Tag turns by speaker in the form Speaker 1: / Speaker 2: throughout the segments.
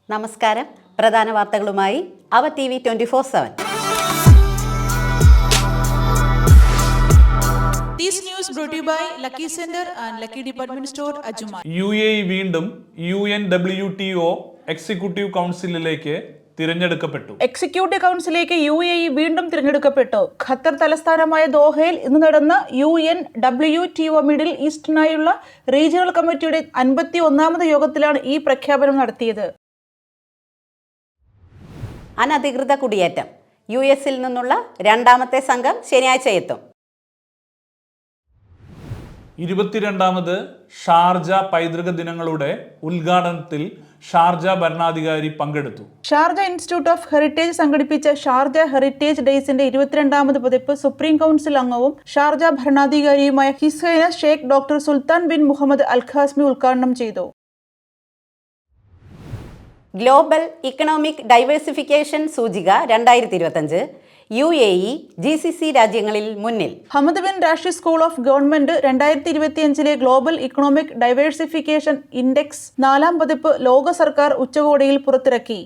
Speaker 1: നമസ്കാരം. പ്രധാന വാർത്തകളുമായി അവർ TV 24/7.
Speaker 2: This news brought to you by Lucky Center and Lucky Department Store, Ajuma.
Speaker 3: UAE വീണ്ടും UNWTO എക്സിക്യൂട്ടീവ് കൗൺസിലിലേക്ക് തിരഞ്ഞെടുക്കപ്പെട്ടു.
Speaker 2: എക്സിക്യൂട്ടീവ് കൗൺസിലേക്ക് UAE വീണ്ടും തിരഞ്ഞെടുക്കപ്പെട്ടു. ഖത്തർ തലസ്ഥാനമായ ദോഹയിൽ ഇന്ന് നടന്ന UNWTO മിഡിൽ ഈസ്റ്റിനായുള്ള റീജിയണൽ കമ്മിറ്റിയുടെ 51ാമത് യോഗത്തിലാണ് ഈ പ്രഖ്യാപനം നടത്തിയത്.
Speaker 1: അനധികൃത കുടിയേറ്റം. US-ൽ നിന്നുള്ള രണ്ടാമത്തെ സംഘം ശനിയാഴ്ച എത്തും.
Speaker 3: 22ാമത് ഷാർജ പൈതൃക ദിനങ്ങളുടെ ഉദ്ഘാടനത്തിൽ ഷാർജ ഭരണാധികാരി പങ്കെടുത്തു.
Speaker 2: ഷാർജ ഇൻസ്റ്റിറ്റ്യൂട്ട് ഓഫ് ഹെറിറ്റേജ് സംഘടിപ്പിച്ച ഷാർജ ഹെറിറ്റേജ് ഡേയ്സിന്റെ 22ാമത് പതിപ്പ് സുപ്രീം കൗൺസിൽ അംഗവും ഷാർജ ഭരണാധികാരിയുമായ his highness Sheikh doctor Sultan bin Muhammad al Qasimi ഉദ്ഘാടനം ചെയ്തു.
Speaker 1: ഗ്ലോബൽ ഇക്കണോമിക് ഡൈവേഴ്സിഫിക്കേഷൻ സൂചിക 2025 UAE GCC രാജ്യങ്ങളിൽ മുന്നിൽ.
Speaker 2: Hamad bin Rashid school of government 2025 global economic diversification index 4ാം പതിപ്പ് ലോക സർക്കാർ ഉച്ചകോടിയിൽ പുറത്തിറക്കി.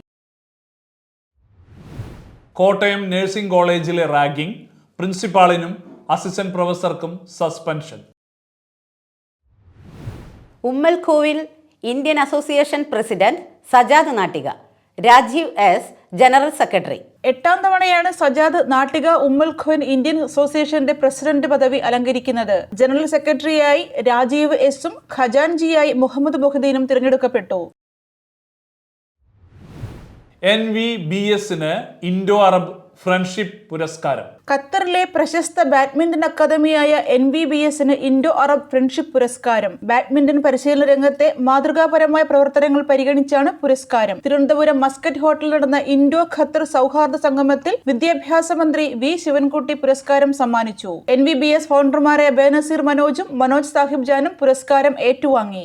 Speaker 3: കോട്ടയം നഴ്സിംഗ് കോളേജിലെ റാഗിംഗ്, പ്രിൻസിപ്പാളിനും അസിസ്റ്റന്റ് പ്രൊഫസർക്കും സസ്പെൻഷൻ.
Speaker 1: ഉമ്മൽഖോവിൽ Indian association president Sajad Nattika, Rajeev S general secretary.
Speaker 2: 8ാം തവണയാണ് Sajad Nattika Umm al Quwain Indian അസോസിയേഷന്റെ പ്രസിഡന്റ് പദവി അലങ്കരിക്കുന്നത്. ജനറൽ സെക്രട്ടറിയായി രാജീവ് S-ഉം ഖജാൻജിയായി മുഹമ്മദ് മൊഹദ്ദീനും തിരഞ്ഞെടുക്കപ്പെട്ടു.
Speaker 3: NVBS-ന് ഇൻഡോ അറബ് ഫ്രണ്ട്ഷിപ്പ് പുരസ്കാരം.
Speaker 2: ഖത്തറിലെ പ്രശസ്ത ബാഡ്മിന്റൺ അക്കാദമിയായ NVBS-ന് ഇൻഡോ അറബ് ഫ്രണ്ട്ഷിപ്പ് പുരസ്കാരം. ബാഡ്മിന്റൺ പരിശീലന രംഗത്തെ മാതൃകാപരമായ പ്രവർത്തനങ്ങൾ പരിഗണിച്ചാണ് പുരസ്കാരം. തിരുവനന്തപുരം മസ്കറ്റ് ഹോട്ടലിൽ നടന്ന ഇൻഡോ ഖത്തർ സൗഹാർദ്ദ സംഗമത്തിൽ വിദ്യാഭ്യാസ മന്ത്രി V ശിവൻകുട്ടി പുരസ്കാരം സമ്മാനിച്ചു. NVBS ഫൗണ്ടർമാരായ ബേനസീർ മനോജും മനോജ് സാഹിബ് ജാനും പുരസ്കാരം ഏറ്റുവാങ്ങി.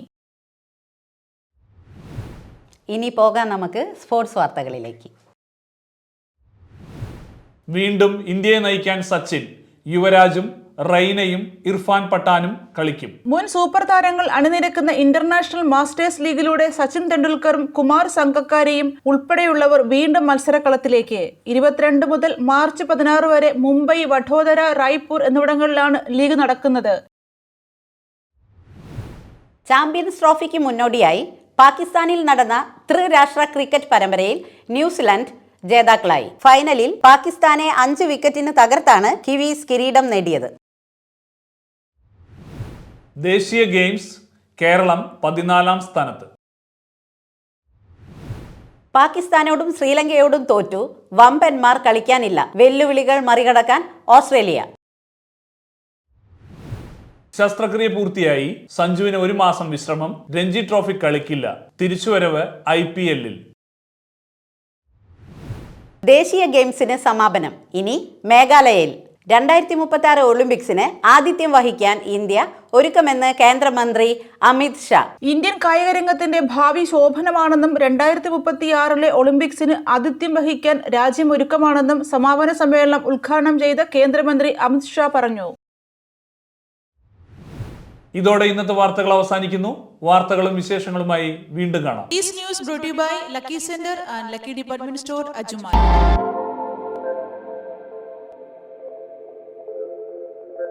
Speaker 1: ഇനി പോകാം നമുക്ക് സ്പോർട്സ് വാർത്തകളിലേക്ക്.
Speaker 3: വീണ്ടും ഇന്ത്യയെ നയിക്കാൻ സച്ചിൻ, യുവരാജും റെയ്നയും ഇർഫാൻ പഠാനും കളിക്കും.
Speaker 2: മുൻ സൂപ്പർ താരങ്ങൾ അണിനിരക്കുന്ന ഇന്റർനാഷണൽ മാസ്റ്റേഴ്സ് ലീഗിലൂടെ സച്ചിൻ തെണ്ടുൽക്കറും കുമാർ സംഗക്കാരയും ഉൾപ്പെടെയുള്ളവർ വീണ്ടും മത്സരക്കളത്തിലേക്ക്. 22 മുതൽ മാർച്ച് 16 വരെ മുംബൈ, വഡോദര, റായ്പൂർ എന്നിവിടങ്ങളിലാണ് ലീഗ് നടക്കുന്നത്.
Speaker 1: ചാമ്പ്യൻസ് ട്രോഫിക്ക് മുന്നോടിയായി പാകിസ്ഥാനിൽ നടന്ന ത്രിരാഷ്ട്ര ക്രിക്കറ്റ് പരമ്പരയിൽ ന്യൂസിലാൻഡ് ജേതാക്കളായി. ഫൈനലിൽ പാകിസ്ഥാനെ 5 വിക്കറ്റിന് തകർത്താണ് കിവീസ് കിരീടം നേടിയത്.
Speaker 3: ദേശീയ ഗെയിംസ് കേരളം 14ാം സ്ഥാനത്ത്.
Speaker 1: പാകിസ്ഥാനോടും ശ്രീലങ്കയോടും തോറ്റു. വമ്പന്മാർ കളിക്കാനില്ല. വെല്ലുവിളികൾ മറികടക്കാൻ ഓസ്ട്രേലിയ.
Speaker 3: ശസ്ത്രക്രിയ പൂർത്തിയായി. സഞ്ജുവിന് 1 മാസം വിശ്രമം. രഞ്ജി ട്രോഫി കളിക്കില്ല. തിരിച്ചുവരവ് IPL-ൽ.
Speaker 1: ദേശീയ ഗെയിംസിന് സമാപനം. ഇനി മേഘാലയയിൽ 2036 ഒളിമ്പിക്സിന് ആതിഥ്യം വഹിക്കാൻ ഇന്ത്യ ഒരുക്കമെന്ന് കേന്ദ്രമന്ത്രി അമിത് ഷാ.
Speaker 2: ഇന്ത്യൻ കായിക രംഗത്തിന്റെ ഭാവി ശോഭനമാണെന്നും 2036 ഒളിമ്പിക്സിന് ആതിഥ്യം വഹിക്കാൻ രാജ്യം ഒരുക്കമാണെന്നും സമാപന സമ്മേളനം ഉദ്ഘാടനം ചെയ്ത കേന്ദ്രമന്ത്രി അമിത് ഷാ പറഞ്ഞു.
Speaker 3: ഇതോടെ ഇന്നത്തെ വാർത്തകൾ അവസാനിക്കുന്നു. വാർത്തകളും വിശേഷങ്ങളുമായി വീണ്ടും കാണാം.
Speaker 2: This news brought to you by Lucky Center and Lucky Department Store, Ajuma.